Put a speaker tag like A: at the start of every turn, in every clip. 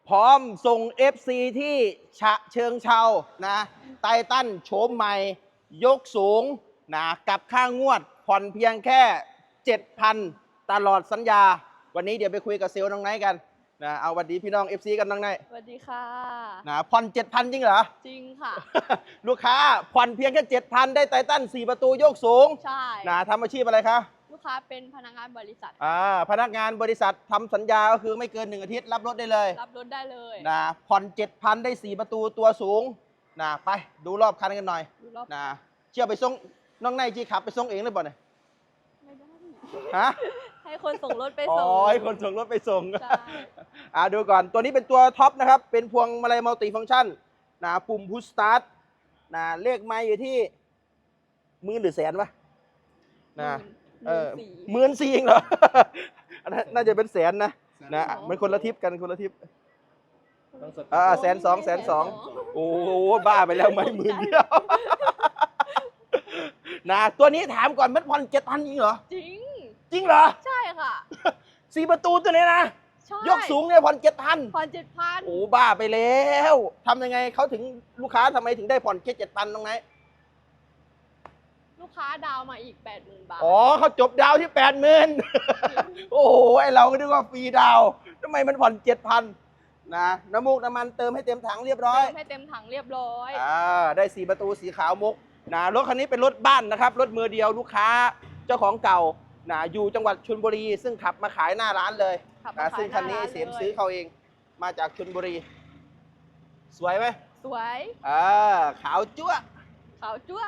A: พร้อมส่ง FC ที่ฉะเชิงเทรานะไททันโฉมใหม่ยกสูงนะกับค่างวดผ่อนเพียงแค่ 7,000 ตลอดสัญญาวันนี้เดี๋ยวไปคุยกับเซลล์น้องไนท์กันนะเอาสวัสดีพี่น้อง FC กันน้องไนท์
B: สวัสดีค่ะ
A: นะผ่อน 7,000 จริงเหรอ
B: จริงค่ะ
A: ลูกค้าผ่อนเพียงแค่ 7,000 ได้ไททัน4 ประตูยกสูง
B: ใช่
A: นะทำอาชีพอะไรคะ
B: ลูกค้าเป็นพนักงานบริษัท
A: พนักงานบริษัททำสัญญาก็คือไม่เกิน1 อาทิตย์รับรถได้เลย
B: รับรถได้เลย
A: นะผ่อน 7,000 ได้ 4 ประตูตัวสูงนะไปดูรอบคันกันหน่อย
B: ดูรอบ
A: นะเชื่อไปส่งน้องไนท์จีขับไปส่งเองหรือเปล่าเนี่ย
B: ไม่ได้
A: ฮะ
B: ให้คนส่งรถไป
A: อ๋อ
B: ส่ง
A: ให้คนส่งรถไปส่ง
B: ใช่
A: ดูก่อนตัวนี้เป็นตัวท็อปนะครับเป็นพวงมาลัยมัลติฟังก์ชันนะปุ่มพุชสตาร์ทนะเลขไม้อยู่ที่หมื่นหรือแสนวะนะ14,000เองเหรอ อันนั้นน่าจะเป็นแสนนะมันคนละทิปกันคนละทิป120,000 120,000โอ้โหบ้าไปแล้วไม่10,000เดียวนะตัวนี้ถามก่อนมันผ่อน7,000จริงเหรอ
B: จริง
A: จริงเหรอ
B: ใช่ค่ะ
A: 4 ประตูตัวนี้นะ
B: ใช่
A: ยกสูงเนี่ยผ่อน7,000
B: ผ่อน7,000
A: โอ้บ้าไปแล้วทำยังไงเขาถึงลูกค้าทำไมถึงได้ผ่อนแค่7,000ตรงไหน
B: ลูกค้าดาวมาอีก 80,000 บาท
A: อ๋อเขาจบดาวที่ 80,000 โอ้โหไอเราก็นึกว่าฟรีดาวทำไมมันผ่อน7,000นะน้ำมูกน้ำมันเติมให้เต็มถังเรียบร้อย
B: เติมให้เต็มถังเรียบร้อย
A: ได้4 ประตูสีขาวมุกนะรถคันนี้เป็นรถบ้านนะครับรถมือเดียวลูกค้าเจ้าของเก่านะอยู่จังหวัดชลบุรีซึ่งขับมาขายหน้าร้านเลยนะซึ่งคันนี้เสียมซื้อเขาเองมาจากชลบุรี สวยไหม
B: สวย
A: ขาวจั๊ว
B: ขาวจั๊ว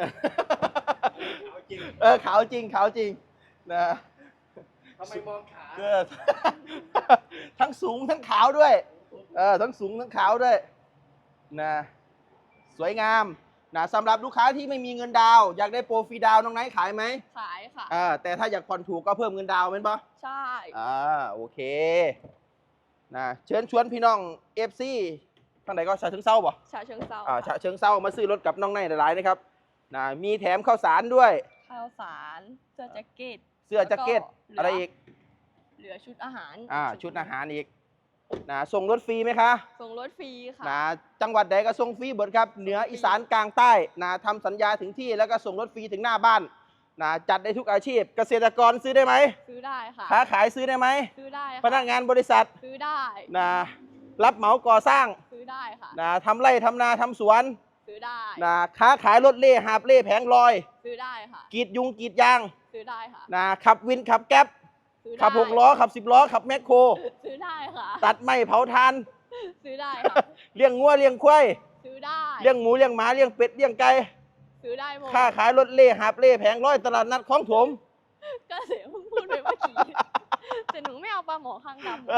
A: ขาวจริงขาวจริงนะ
C: ทำไมมองขา
A: ทั้งสูงทั้งขาวด้วยทั้งสูงทั้งขาวด้วยนะสวยงามนะสำหรับลูกค้าที่ไม่มีเงินดาวอยากได้โปรฟรีดาวน้องไนท์ขายไหม
B: ขายค่ะ
A: แต่ถ้าอยากผ่อนถูกก็เพิ่มเงินดาวเป็นปะ
B: ใช่
A: โอเคนะเชิญชวนพี่น้อง FC ทางไหนก็ฉะเชิงเทราป่ะ
B: ฉะเชิงเทรา
A: ฉะเชิงเทรามาซื้อรถกับน้องไนท์หลายๆนะครับนะมีแถมข้าวสารด้วย
B: ข้าวสารเสื้อแจ็คเก็ต
A: เสื้อแจ็คเก็ตอะไรอีก
B: เหลือชุดอาหาร
A: ชุดอาหารอีกนะส่งรถฟรีไหมคะ
B: ส่งรถฟรีค่ะ
A: นะจังหวัดใดก็ส่งฟรีหมดครับเหนืออีสานกลางใต้นะทำสัญญาถึงที่แล้วก็ส่งรถฟรีถึงหน้าบ้านนะจัดได้ทุกอาชีพ เกษตรกรซื้อได้ไหม
B: ซื้อได้ค่ะ
A: ค้าขายซื้อได้ไหม
B: ซื้อได้
A: พนักงานบริษัท
B: ซื้อได้
A: นะรับเหมาก่อสร้าง
B: ซื้อได้ค่ะ
A: นะทำไร่ทำนาทำสวน
B: ซื้อได้
A: นะค้าขายรถเล่หาบเล่แผงลอย
B: ซื้อได้ค่ะ
A: กรีดยุงกรีดยาง
B: ซื้อได้ค่ะ
A: นะขับวินขับแก๊ป
B: ซื้อได้
A: ขับ6 ล้อขับ10 ล้อขับแมคโคร
B: ซื้อได้ค่ะ
A: ตัดไม้เผาทาน
B: ซื้อได้ค่ะ
A: เลี้ยงงัวเลี้ยงควาย
B: ซื้อได้
A: เลี้ยงหมูเลี้ยงหมาเลี้ยงเป็ดเลี้ยงไก่
B: ซื้อได้หมด
A: ค้าขายรถเล่หาบเล่แผงลอยตลาดนัดของถม
B: ก็เสียเพิ่งพูดไปเมื่อกี้แต่หนูไม่เอาปลาหมอข้างดำ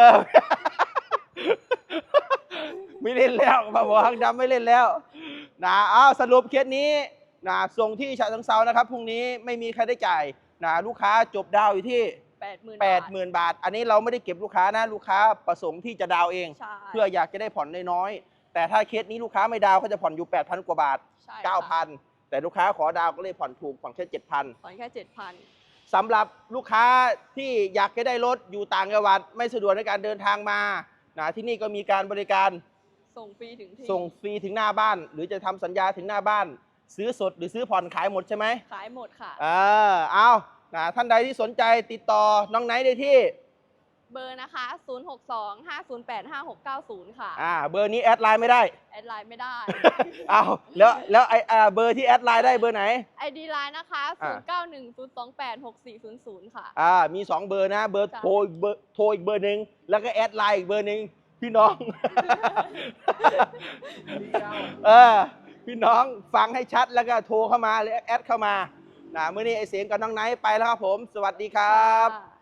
A: ไม่เล่นแล้วมาบอกทางดำไม่เล่นแล้วนะสรุปเคสนี้นะส่งที่ฉะเชิงเทรานะครับพรุ่งนี้ไม่มีใครได้จ่ายนะลูกค้าจบดาวอยู่ที่ 80,000 บาทอันนี้เราไม่ได้เก็บลูกค้านะลูกค้าประสงค์ที่จะดาวเอง
B: ใช่
A: เพื่ออยากจะได้ผ่อนน้อยๆแต่ถ้าเคสนี้ลูกค้าไม่ดาวเขาจะผ่อนอยู่ 8,000 กว่าบาท
B: ใช่ค่ะ
A: 9,000 แต่ลูกค้าขอดาวก็เลยผ่อนถูกผ่อนแค่ 7,000
B: ผ่อนแค่7,000
A: สำหรับลูกค้าที่อยากจะได้รถอยู่ต่างจังหวัดไม่สะดวกในการเดินทางมานะที่นี่ก็มีการบริการ
B: ส่งฟรีถึงที่
A: ส่งฟรีถึงหน้าบ้าน หรือจะทำสัญญาถึงหน้าบ้าน ซื้อสดหรือซื้อผ่อนขายหมดใช่ไหม
B: ขายหมดค่ะ
A: เอานะท่านใดที่สนใจติดต่อน้องไนท์ได้ที่
B: เบอร์นะคะ 062-508-5690 ค่ะ
A: เบอร์นี้แอดไลน์ไม่ได้
B: แอดไลน์ไม่ได้
A: แล้วเบอร์ที่แอดไลน์ได้เบอร์ไหน
B: ID ไลน์นะคะ 0910286400 ค่ะ
A: มี2เบอร์นะเบอร์
B: จ้ะ
A: โทรอีกเบอร์หนึ่งแล้วก็แอดไลน์อีกเบอร์หนึ่งพี่น้อง พี่น้องฟังให้ชัดแล้วก็โทรเข้ามาหรือแอดเข้ามานะมื้อนี้ไอเสียงกับน้องไนท์ไปแล้วครับผม สวัสดีครับ
B: ค่ะ